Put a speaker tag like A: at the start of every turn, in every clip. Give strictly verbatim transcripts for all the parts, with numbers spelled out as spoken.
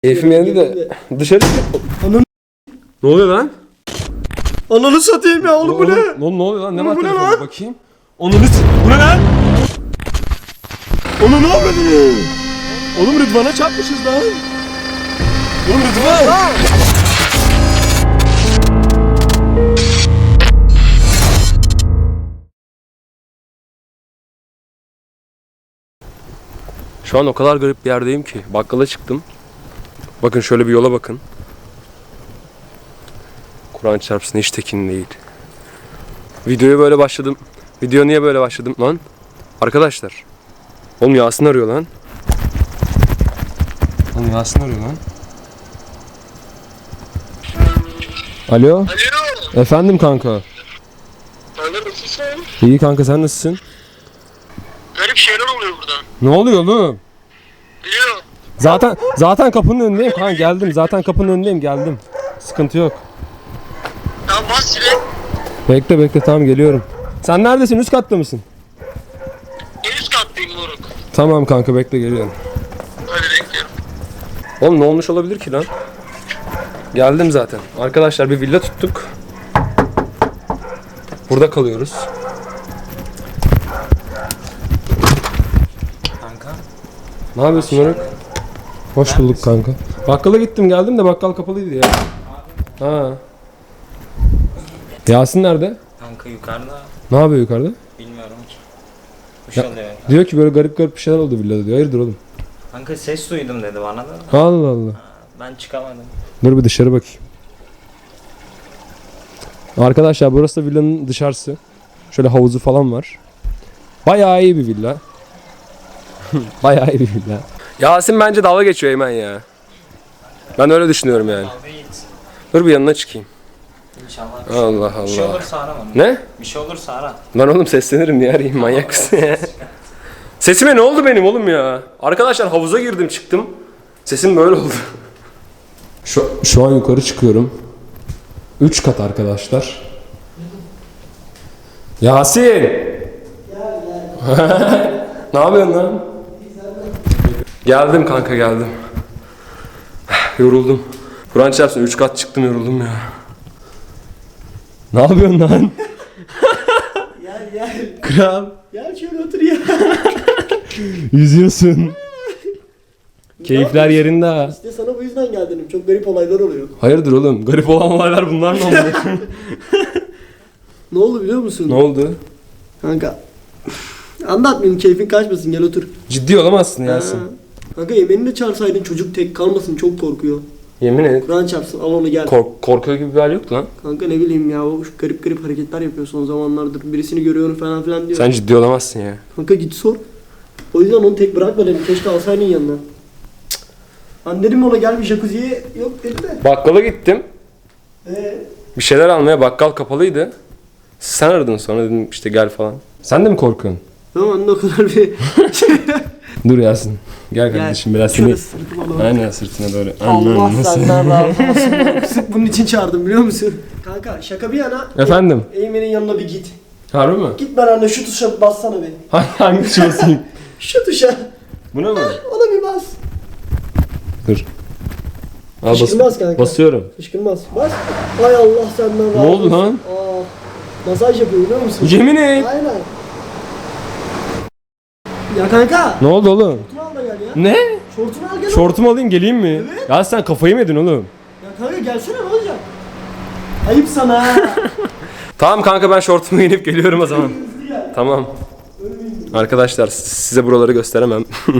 A: Keyfim yerinde de dışarı çık.
B: Ananı...
A: Ne oluyor lan?
B: Ananı satayım ya oğlum, bu ne?
A: Oğlum ne oluyor lan? Ne
B: Oğlum,
A: var
B: bu ne
A: telefonda
B: lan?
A: bakayım. Onu s- bu ne lan?
B: Onu ne yapıyorsun? Oğlum Rıdvan'a çarpmışız lan.
A: Oğlum Rıdvan. Şu an o kadar garip bir yerdeyim ki. Bakkala çıktım. Bakın şöyle bir yola bakın. Kur'an çarpsın hiç tekin değil. Videoya böyle başladım. Video niye böyle başladım lan? Arkadaşlar. Oğlum Yasin arıyor lan. Oğlum Yasin arıyor lan. Alo.
C: Alo.
A: Efendim kanka.
C: Kanka nasılsın?
A: İyi kanka, sen nasılsın?
C: Garip şeyler oluyor burada.
A: Ne oluyor oğlum?
C: Biliyorum.
A: Zaten zaten kapının önündeyim kanka, geldim. Zaten kapının önündeyim, geldim. Sıkıntı yok.
C: Tamam bas direkt.
A: Bekle bekle, tamam geliyorum. Sen neredesin? Üst katta mısın?
C: En üst kattayım moruk.
A: Tamam kanka, bekle geliyorum.
C: Hadi bekliyorum.
A: Oğlum ne olmuş olabilir ki lan? Geldim zaten. Arkadaşlar bir villa tuttuk. Burada kalıyoruz.
B: Kanka.
A: Ne yapıyorsun Moruk? Hoş bulduk kanka. Bakkala gittim geldim de bakkal kapalıydı ya. Ha. Yasin nerede?
D: Kanka yukarıda
A: Ne yapıyor yukarıda?
D: bilmiyorum ki. Kuş oluyor.
A: Diyor ki böyle garip garip bir şeyler oldu villada diyor. Hayırdır oğlum?
D: Kanka ses duydum dedi bana da.
A: Allah Allah.
D: Ben çıkamadım.
A: Dur bir dışarı bakayım. Arkadaşlar burası da villanın dışarısı. Şöyle havuzu falan var. Bayağı iyi bir villa. Bayağı iyi bir villa. Yasin bence dalga geçiyor Eymen ya. Ben öyle düşünüyorum yani.
D: Abi git.
A: Dur bir yanına çıkayım.
D: İnşallah.
A: Allah
D: Bir şey
A: Allah.
D: olursa ara bana.
A: Ne?
D: Bir şey olursa ara.
A: Lan oğlum seslenirim niye arayayım, manyak mısın ya? Sesime ne oldu benim oğlum ya? Arkadaşlar havuza girdim çıktım. Sesim böyle oldu. Şu, şu an yukarı çıkıyorum. Üç kat arkadaşlar. Yasin! Ne yapıyorsun lan? Geldim kanka, geldim. Yoruldum. Kur'an çarpsın üç kat çıktım, yoruldum ya. Ne yapıyorsun lan?
B: Gel gel.
A: Kral.
B: Gel şöyle otur ya.
A: Yüzüyorsun. Keyifler yerinde ha.
B: İşte sana bu yüzden geldim. Çok garip olaylar oluyor.
A: Hayırdır oğlum? Garip olan olaylar bunlar mı oldu?
B: Ne oldu biliyor musun?
A: Ne oldu?
B: Kanka. Anlatmayayım, keyfin kaçmasın, gel otur.
A: Ciddi olamazsın Yasin.
B: Ha. Kanka yemenini de çağırsaydın, çocuk tek kalmasın, çok korkuyor.
A: Yemin et.
B: Kur'an çarpsın, al onu gel.
A: Kork korkuyor gibi bir hal yoktu lan.
B: Kanka ne bileyim ya, o garip garip hareketler yapıyor son zamanlardır. Birisini görüyorum falan filan diyor.
A: Sen ciddi olamazsın ya.
B: Kanka git sor. O yüzden onu tek bırakma dedim. Keşke alsaydın yanına. Cık. Ben dedim ona gel bir jacuzziye, yok dedi de.
A: Bakkala gittim.
B: Eee?
A: Bir şeyler almaya, bakkal kapalıydı. Sen aradın sonra, dedim işte gel falan. Sen de mi korkuyorsun?
B: Tamam, o kadar bir
A: Dur Yasin. Gel kardeşim biraz
B: şöyle
A: seni.
B: sırtım alalım.
A: Aynen sırtına doğru.
B: Allah
A: Aman, nasıl?
B: senden razı olsun. Sırf bunun için çağırdım biliyor musun? Kanka şaka bir yana.
A: Efendim?
B: Eymen'in yanına bir git.
A: Harbi mi?
B: Git ben anne şu tuşa bassana bir.
A: Hangi tuşa basayım?
B: Şu tuşa.
A: Buna mı?
B: Ona bir bas.
A: Dur. Al bas
B: Fışkırmaz kanka.
A: basıyorum.
B: Fışkırmaz. Bas. Hay Allah senden razı
A: Ne oldu
B: olsun.
A: lan?
B: Aa, masaj yapıyor biliyor musun?
A: Yemin et.
B: Aynen. Ya kanka.
A: Ne oldu oğlum?
B: Şortunu al da gel ya.
A: Ne?
B: Şortunu al gel.
A: Şortumu alayım geleyim mi?
B: Evet.
A: Ya sen kafayı mı yedin oğlum?
B: Ya kanka gelsene, ne olacak? Ayıp sana ha.
A: Tamam kanka, ben şortumu giyinip geliyorum o zaman.
B: Hızlı gel.
A: Tamam. Arkadaşlar size buraları gösteremem.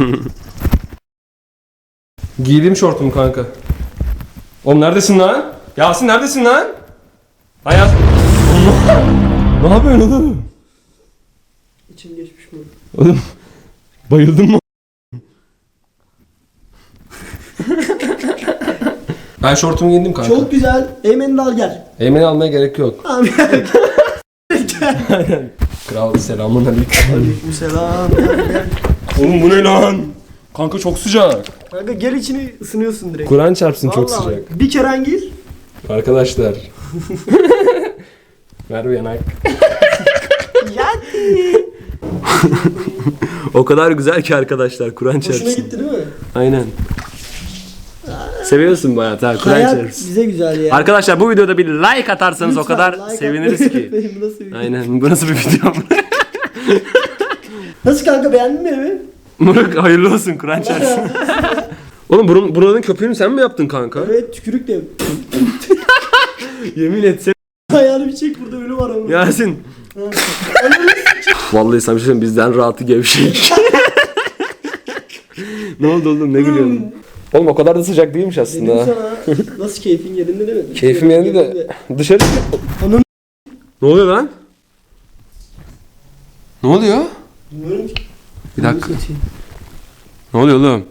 A: Giydim şortumu kanka. Oğlum neredesin lan? Yasin neredesin lan? Lan Yasin. Ne yapıyorsun oğlum?
B: İçim geçmiş mi?
A: Oğlum bayıldın mı? Ben şortumu giydim kanka.
B: Çok güzel. Eymen'i de al gel.
A: Eymen'i almaya gerek yok.
B: Abi gel. Gel.
A: Kral selamun aleyküm.
B: Aleykümselam. Gel, gel.
A: Oğlum bu ne lan? Kanka çok sıcak.
B: Kanka gel, içini ısınıyorsun direkt.
A: Kur'an çarpsın, çok
B: Vallahi
A: sıcak.
B: Bir kere gir.
A: Arkadaşlar. Ver bir yanak.
B: Yani.
A: O kadar güzel ki arkadaşlar, Kur'an çarpsın.
B: Hoşuna gitti değil mi?
A: Aynen. Seviyorsun bayağı ta Kur'an
B: Hayat
A: çarpsın.
B: bize güzel ya.
A: Arkadaşlar bu videoda bir like atarsanız o
B: Lütfen
A: kadar
B: like
A: seviniriz
B: atmayı
A: ki.
B: unutmayın. Bu nasıl bir video?
A: Aynen bu nasıl bir video?
B: Nasıl kanka, beğendin mi evi?
A: Murat hayırlı olsun Kur'an çarpsın. Oğlum buranın, buranın köpüğünü sen mi yaptın kanka?
B: Evet, tükürük de.
A: Yemin etsem.
B: Ayağını bir çek, burada ölü var ama.
A: Yasin. Vallahi sana bir şey söyleyeyim, bizden rahatı gevşek. Ne oldu oğlum, ne gülüyorsun? Oğlum o kadar da sıcak değilmiş
B: Dedim
A: aslında.
B: sana, nasıl keyfin yerinde değil mi?
A: Keyfim yerinde de dışarı...
B: Ananı
A: Ne oluyor lan? Ne oluyor?
B: bilmiyorum ki.
A: Bir dakika. Ne oluyor oğlum?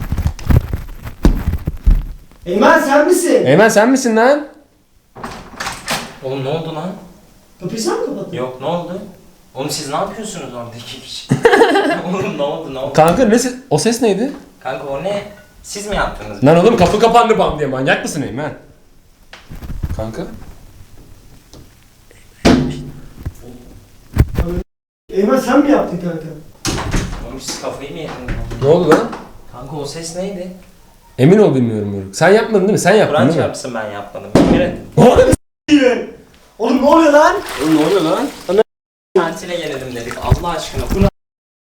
B: Eymen sen misin?
A: Eymen sen misin lan?
D: Oğlum ne oldu lan?
B: Kapıyı sen mi kapattın?
D: Yok ne oldu? Oğlum siz ne yapıyorsunuz orada iki kişi? Oğlum ne oldu ne oldu?
A: Kanka ne ses, o ses neydi?
D: Kanka o ne? Siz mi yaptınız?
A: Lan oğlum kapı kapandı bam diye, manyak mısın Eymen? Kanka?
B: Eymen sen mi yaptın kanka?
D: Oğlum siz kafayı mı yediniz?
A: Ne oldu lan?
D: Kanka o ses neydi?
A: Emin ol bilmiyorum Yörük. Sen yapmadın değil mi? Sen yaptın
D: Kur'an
A: değil mi?
D: çarpsın ben yapmadım. Evet.
B: Oğlum ne oluyor lan?
A: Oğlum ne oluyor lan?
D: Tatile gelelim dedik Allah aşkına. Bu ne?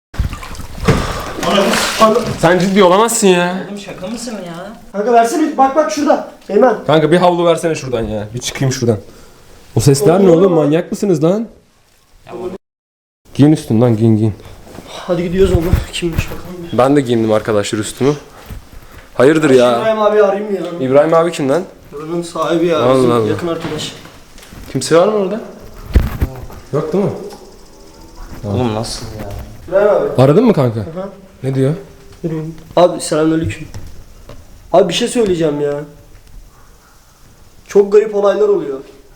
A: Sen ciddi olamazsın ya.
D: Oğlum şaka mısın ya?
B: Kanka versene, bak bak şurada. Eymen.
A: Kanka bir havlu versene şuradan ya. Bir çıkayım şuradan. O sesler ne
B: Oğlum.
A: oğlum? Manyak mısınız lan?
D: Ya oğlum.
A: Giyin üstün lan, giyin giyin.
B: Hadi gidiyoruz oğlum. Kimmiş bakalım.
A: Ben de giyindim arkadaşlar üstümü. Hayırdır ya?
B: İbrahim abi arayayım ya.
A: İbrahim abi kim lan?
B: Buranın sahibi ya.
A: Allah
B: bizim
A: Allah.
B: yakın arkadaş.
A: Kimse var mı orada? Yok değil mi?
D: Oğlum nasıl ya?
B: İbrahim abi.
A: Aradın mı kanka?
B: Aha.
A: Ne diyor?
B: Yürüyün. Abi selamünaleyküm. Abi bir şey söyleyeceğim ya. Çok garip olaylar oluyor.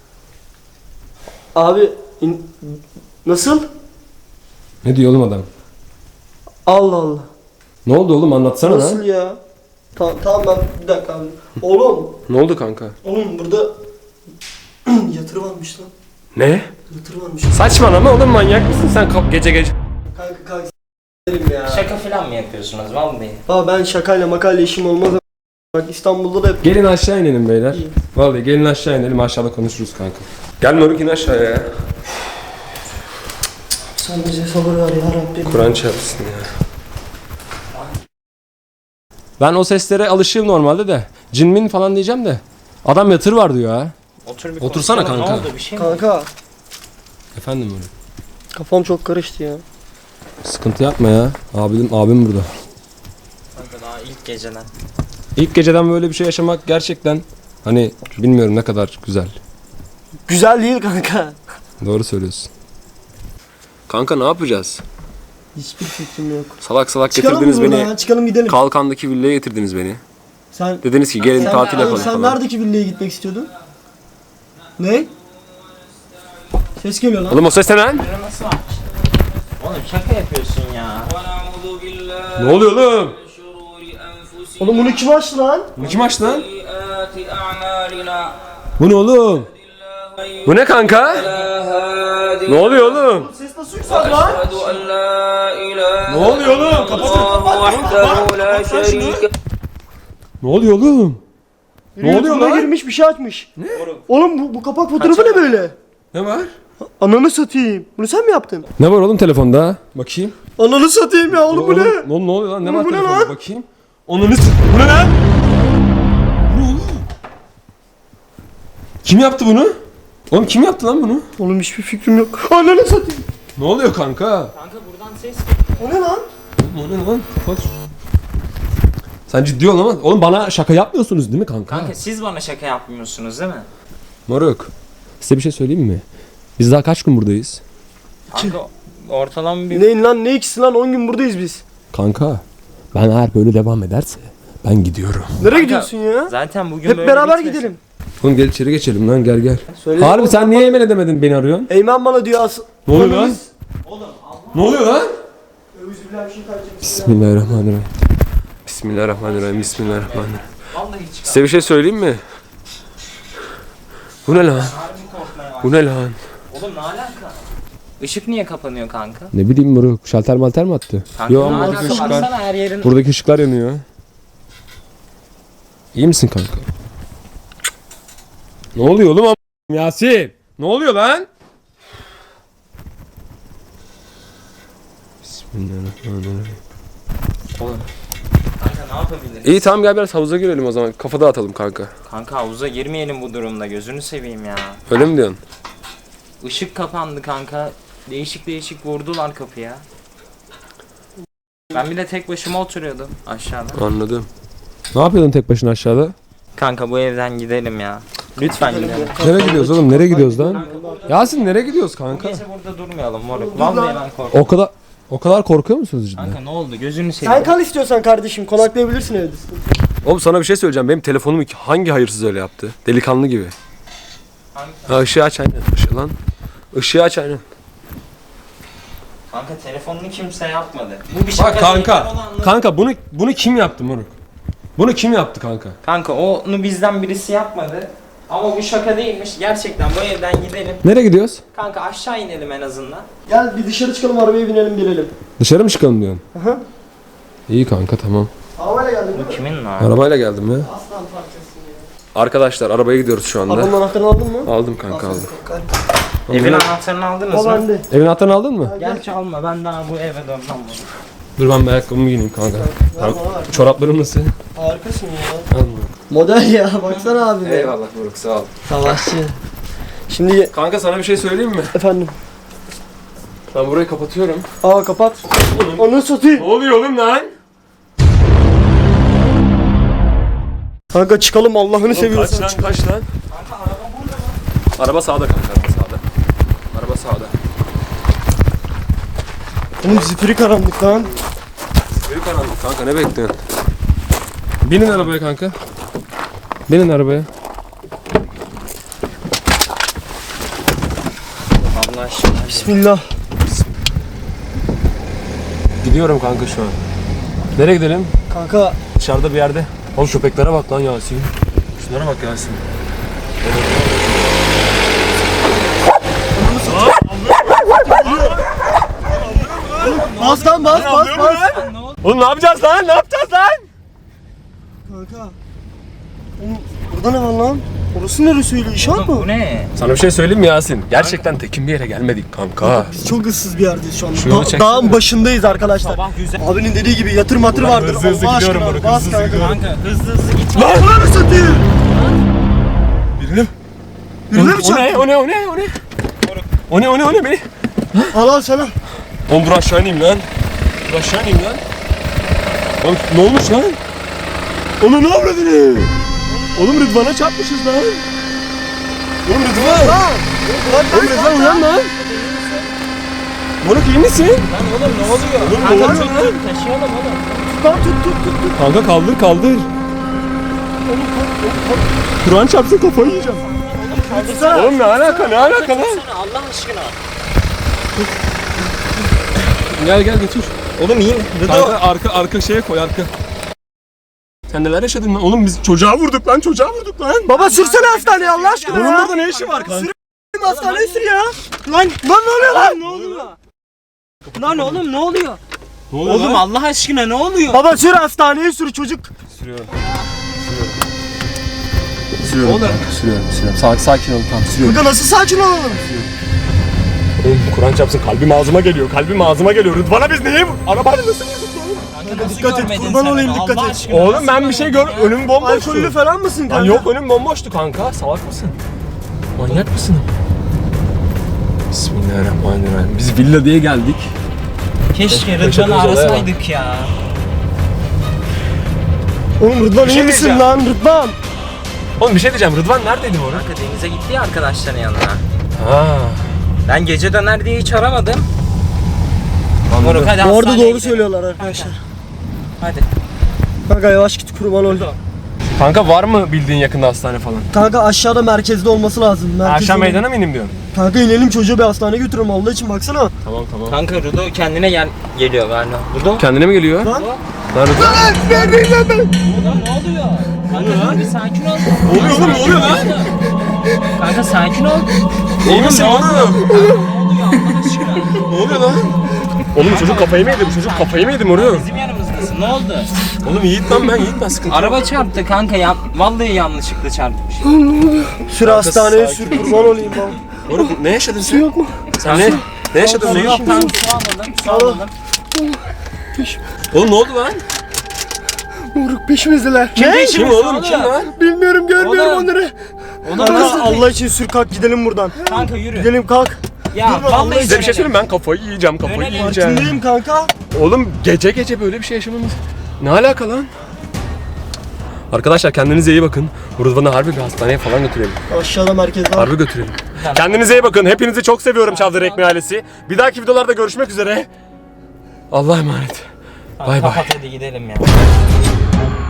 B: Abi in- nasıl?
A: Ne diyor oğlum adam?
B: Allah Allah.
A: Ne oldu oğlum, anlatsana
B: Nasıl
A: lan.
B: ya? Tamam tamam ben bir dakika abi. Oğlum,
A: Ne oldu kanka?
B: oğlum burada yatırı varmış lan.
A: Ne?
B: Yatırı varmış.
A: Saçmalama oğlum, manyak mısın sen kap gece gece?
B: Kanka kanka s**erim ya.
D: Şaka falan mı yapıyorsunuz vallahi?
B: Abi ben şakayla makayla işim olmaz. Bak İstanbul'da da hep
A: Gelin aşağı inelim beyler.
B: İyi.
A: Vallahi gelin aşağı inelim, aşağıda konuşuruz kanka. Gel moruk, in aşağıya ya.
B: sen bize sabır ver ya Rabbim.
A: Kur'an çarpsın ya. Ben o seslere alışığım normalde de. Cinmin falan diyeceğim de. Adam yatır var diyor ha.
D: Otur bir
A: Otursana
D: konuşalım.
A: kanka.
D: Ne oldu bir şey mi?
B: Kanka
A: Efendim moruk.
B: kafam çok karıştı ya.
A: Sıkıntı yapma ya. Abim, abim burada.
D: Kanka daha ilk geceden.
A: İlk geceden böyle bir şey yaşamak gerçekten hani bilmiyorum ne kadar güzel.
B: Güzel değil kanka.
A: Doğru söylüyorsun. Kanka ne yapacağız?
B: Hiçbir fikrim yok.
A: Salak salak
B: Çıkalım
A: getirdiniz
B: mı buradan
A: beni.
B: ya? Çıkalım gidelim.
A: Kalkandaki villaya getirdiniz beni.
B: Sen
A: Dediniz ki gelin
D: Sen-
A: tatil
D: Oğlum,
A: yapalım
B: sen
A: falan.
B: neredeki villaya gitmek istiyordun? Ne? Ses geliyor lan.
A: Oğlum o ses ne lan?
D: Bunu nasıl açtın? Oğlum şaka yapıyorsun ya.
A: Ne oluyor oğlum?
B: Oğlum bunu kim açtı lan?
A: Bu kim açtı lan? Bu ne oğlum? Bu ne kanka? Ne oluyor oğlum?
B: Ses nasıl yükseldi lan?
A: Ne oluyor oğlum? Kapatın. Ne oluyor oğlum? Ne oluyor
B: YouTube'a
A: lan?
B: girmiş bir şey açmış. Ne? Oğlum bu, bu kapak fotoğrafı ne böyle?
A: Ne var?
B: Ananı satayım. Bunu sen mi yaptın?
A: Ne var oğlum telefonda? Bakayım.
B: Ananı satayım ya oğlum bu ne?
A: Oğlum ne oluyor lan? Ne
B: Oğlum
A: var
B: bu ne
A: telefonda?
B: lan?
A: Bakayım. Onunu s- Bu ne lan? Bu ne oğlum? Kim yaptı bunu? Oğlum kim yaptı lan bunu?
B: Oğlum hiçbir fikrim yok. Ananı satayım.
A: Ne oluyor kanka?
D: Kanka buradan ses
B: O ne lan?
A: Oğlum o ne lan? Kapat. Sen ciddi ol ama oğlum bana şaka yapmıyorsunuz değil mi kanka?
D: Kanka siz bana şaka yapmıyorsunuz değil mi?
A: Moruk. Size bir şey söyleyeyim mi? Biz daha kaç gün buradayız?
D: Kanka ortalama bir...
B: Neyin lan, ne ikisi lan, on gün buradayız biz.
A: Kanka ben eğer böyle devam ederse ben gidiyorum.
B: Nereye gidiyorsun ya?
D: Zaten bugün
B: Hep
D: böyle
B: beraber
D: bitmesin.
B: gidelim.
A: Oğlum gel içeri geçelim lan, gel gel.
B: Söyle.
A: Harbi sen niye yemin edemedin, beni arıyorsun?
B: Eymen bana diyor as.
A: Ne oluyor lan? Ne oluyor lan? Bismillahirrahmanirrahim. Bismillahirrahmanirrahim. Bismillahirrahmanirrahim.
D: Vallahi çıkar.
A: Size bir şey söyleyeyim mi? Bu ne lan?
D: Harbi korkmaya var.
A: Bu ne lan?
D: Oğlum ne alaka? Işık niye kapanıyor kanka?
A: Ne bileyim moruk. Şalter malter mi attı?
D: Kanka
A: Yo
D: ne
A: buradaki
D: alaka?
A: ışıklar.
D: Baksana her yerin...
A: Buradaki ışıklar yanıyor. İyi misin kanka? Ne oluyor oğlum am- Yasin? Ne oluyor lan? Bismillahirrahmanirrahim.
D: Oğlum. Kanka ne yapabiliriz?
A: İyi tamam gel biraz havuza girelim o zaman. Kafa dağıtalım kanka.
D: Kanka havuza girmeyelim bu durumda. Gözünü seveyim ya.
A: Öyle mi diyorsun?
D: Işık kapandı kanka. Değişik değişik vurdular kapıya. Ben bir de tek başıma oturuyordum aşağıda.
A: Anladım. Ne yapıyordun tek başına aşağıda?
D: Kanka bu evden gidelim ya. Lütfen gidelim.
A: Nereye gidiyoruz oğlum? Nereye gidiyoruz lan? Yasin nereye gidiyoruz kanka?
D: Gece burada durmayalım moruk. Vallahi ben korkuyorum.
A: O kadar o kadar korkuyor musunuz cidden?
D: Kanka ne oldu? Gözünü
B: Sen
D: seveyim.
B: kal istiyorsan kardeşim. Konaklayabilirsin evde.
A: Oğlum sana bir şey söyleyeceğim. Benim telefonumu hangi hayırsız öyle yaptı? Delikanlı gibi.
D: Kanka,
A: Ha ışığı aç aynen. Işığı lan. Işığı aç aynen.
D: kanka telefonunu kimse yapmadı. Bu bir şaka
A: Bak
D: değil, ben
A: kanka.
D: onu anladım.
A: Kanka bunu bunu kim yaptı moruk? Bunu kim yaptı kanka?
D: Kanka onu bizden birisi yapmadı. Ama bu şaka değilmiş. Gerçekten bu evden gidelim.
A: Nereye gidiyoruz?
D: Kanka aşağı inelim en azından.
B: Gel bir dışarı çıkalım, arabaya binelim gelelim.
A: Dışarı mı çıkalım diyorsun?
B: Aha.
A: İyi kanka tamam.
B: Arabayla geldik değil
D: Bu
B: mi?
D: kimin lan?
A: Arabayla geldim ya.
B: Aslan parçasın ya.
A: Arkadaşlar arabaya gidiyoruz şu anda.
B: Arabanın anahtarını aldın mı?
A: Aldım kanka aldım.
D: Evin anahtarını aldınız
B: O
D: mı?
B: bende.
A: Evin anahtarını aldın mı?
D: Gel çalma, ben daha bu eve dönmem bunu.
A: Dur ben bir ayakkabımı giyeyim kanka.
B: Ver
A: Tamam.
B: bana ver.
A: Çoraplarım nasıl?
B: Harikasın ya.
A: Al moruk.
B: Model ya, baksana abi.
A: Eyvallah moruk sağ ol.
B: Savaşçı. Şimdi
A: Kanka sana bir şey söyleyeyim mi?
B: efendim.
A: Ben burayı kapatıyorum.
B: Aa kapat. Onu satayım.
A: Ne oluyor oğlum lan?
B: Kanka çıkalım, Allah'ını seviyorsan.
A: Kaç lan kaç lan?
D: Kanka araba burada mı?
A: Araba sağda kanka araba sağda. Araba sağda.
B: Oğlum zifiri karanlık lan.
A: Büyük karanlık kanka ne bekliyorsun? Binin arabaya kanka. Binin arabaya.
D: Allah aşkına.
B: Bismillah.
A: Gidiyorum kanka şu an. Nereye gidelim?
B: Kanka
A: Dışarıda bir yerde. Oğlum köpeklere bak lan Yasin. Şunlara bak Yasin.
B: bas lan bas bas bas.
A: Oğlum ne yapacağız lan? Ne yapacağız lan?
B: Kanka. Oğlum burada ne var lan? Orası neresi öyle, inşaat
D: Oğlum bu
B: mı?
D: ne?
A: Sana bir şey söyleyeyim mi Yasin? Gerçekten tekin bir yere gelmedik kanka.
B: Biz çok ıssız bir yerdeyiz şu anda.
A: Şu yolu
B: Da-
A: çeksene.
B: dağın başındayız arkadaşlar.
D: Sabah güzel.
B: Abinin dediği gibi yatır matır
A: Ulan
B: vardır.
A: hızlı hızlı
B: Allah
A: gidiyorum
B: aşkına,
A: moruk,
B: bas
A: hızlı hızlı
B: kanka.
A: gidiyorum.
D: Kanka hızlı hızlı gitme.
B: Lan bunu satayım.
A: Birini.
B: Birine mi
A: O ne?
B: çarptın?
A: O ne? O ne? O ne? O ne? O ne? O ne? Beni?
B: Al al sana.
A: Oğlum dur aşağı ineyim lan. Dur aşağı ineyim lan. Oğlum ne olmuş lan? Onu ne yapmadın? Oğlum Rıdvan'a çarpmışız lan. Oğlum Rıdvan.
B: Lan.
A: Oğlum Rıdvan uyan lan. Moruk iyi misin?
D: Lan oğlum ne oluyor?
A: Oğlum ne
D: Kanka
A: oluyor
D: tut
A: lan?
D: tut taşıyalım oğlum.
B: Lan tut tut tut tut.
A: Kanka kaldır kaldır. Kur'an çarpsın kafayı yiyeceğim.
B: Kaldırsana.
A: Oğlum ne alaka ne alaka lan?
D: Sana Allah aşkına.
A: Gel gel götür.
D: Oğlum iyi mi?
A: Kanka arka arka şeye koy arka. Sen neler yaşadın lan? Oğlum biz çocuğa vurduk lan çocuğa vurduk lan.
B: Baba sürsene hastaneye Allah aşkına
A: Bunun
B: ya.
A: burada ne işi var kanka?
B: Hastaneye sür ya. Lan. Lan ne oluyor lan? Ne oluyor?
D: Lan oğlum ne oluyor?
A: Ne oluyor
D: Oğlum
A: lan?
D: Allah aşkına ne oluyor?
B: Baba sür hastaneye sür çocuk.
A: Sürüyorum. Sürüyorum.
D: Oğlum.
A: Sürüyorum sürüyorum. Sakin, sakin ol tamam sürüyorum.
B: Kanka nasıl sakin olalım?
A: Oğlum Kur'an çarpsın kalbim ağzıma geliyor. Kalbim ağzıma geliyor. Rıdvan'a biz neye vur? Arabayla nasıl yüzdük lan?
D: Kanka nasıl
B: Dikkat et,
D: görmedin
B: kurban
D: sen
B: olayım,
D: onu?
B: dikkat
D: Allah
B: et.
D: aşkına
A: Oğlum
D: nasıl
A: ben bir şey gör... Önüm bomboştu.
B: Alkollü falan mısın kanka?
A: Lan yok önüm bomboştu kanka. Salak mısın? Manyak mısın? Bismillahirrahmanirrahim. Biz villa diye geldik.
D: Keşke
A: Başa
D: Rıdvan'ı
A: olaya bak.
D: arasaydık ya.
B: Oğlum Rıdvan
A: Bir
B: iyi
A: şey
B: misin
A: diyeceğim.
B: lan Rıdvan?
A: Oğlum bir şey diyeceğim. Rıdvan neredeydi bu arada?
D: Kanka denize gitti ya arkadaşların yanına.
A: Ha.
D: Ben gece döner diye hiç aramadım. Moruk hadi
B: Bu arada
D: hastaneye
B: doğru
D: gidelim.
B: söylüyorlar arkadaşlar.
D: Hadi.
B: Kanka yavaş git kurban ol.
A: Kanka var mı bildiğin yakında hastane falan?
B: Kanka aşağıda merkezde olması lazım. Merkez
A: Aşağı
B: olmalı.
A: meydana mı ineyim diyorsun?
B: Kanka inelim çocuğu bir hastaneye götürelim Allah için baksana.
A: Tamam tamam.
D: Kanka Rudo kendine gel geliyor galiba. Rudo?
A: Kendine mi geliyor?
B: Lan.
A: Lan Rıdvan.
B: Ben ben ben ben.
D: Rudo ne oluyor? Kanka dur bir sakin ol.
A: Ne oluyor oğlum ne oluyor lan?
D: Kanka sakin ol.
A: İyi misin oğlum?
D: Ne oluyor Allah aşkına?
A: Ne oluyor lan? Oğlum bu çocuk kafayı mı yedi? Bu çocuk kafayı mı yedi moruk?
D: Bizim yanımızdasın. çarpmasın. Ne oldu?
A: Oğlum Yiğit lan ben Yiğit ben sıkıntı.
D: Araba çarptı kanka ya. Vallahi yanlışlıkla çarpmış.
B: Sür hastaneye
A: sakin
B: sür kurban olayım ben.
A: Oğlum ne yaşadın
B: Su
A: sen?
B: yok mu?
A: Sen ne? Ne yaşadın?
D: Su
A: Ne
D: yok
A: yaşadın?
D: kanka, su almadım. Su
B: Al.
D: almadım.
A: Oğlum ne oldu lan?
B: Moruk peşimizdeler.
A: Ne? Kim oğlum kim lan?
B: Bilmiyorum görmüyorum
D: Oğlum.
B: onları.
D: Ona
B: Kanka
D: nasıl?
B: Allah için sür kalk gidelim buradan.
D: Kanka yürü.
B: Gidelim kalk.
D: Ya
B: Dur, Allah
D: vallahi
A: Size bir şey
D: dönelim.
A: söyleyeyim mi? Ben kafayı yiyeceğim kafayı
D: Dönelim.
A: yiyeceğim.
B: Farkındayım kanka.
A: Oğlum gece gece böyle bir şey yaşamamız ne alaka lan? Arkadaşlar kendinize iyi bakın. Rıdvan'ı harbi bir hastaneye falan götürelim.
B: Aşağıda merkezde var.
A: Harbi götürelim. Kendinize iyi bakın. Hepinizi çok seviyorum Çavdar Ekmeği ailesi. Bir dahaki videolarda görüşmek üzere. Allah'a emanet. Bay bay.
D: Kapat hadi gidelim ya.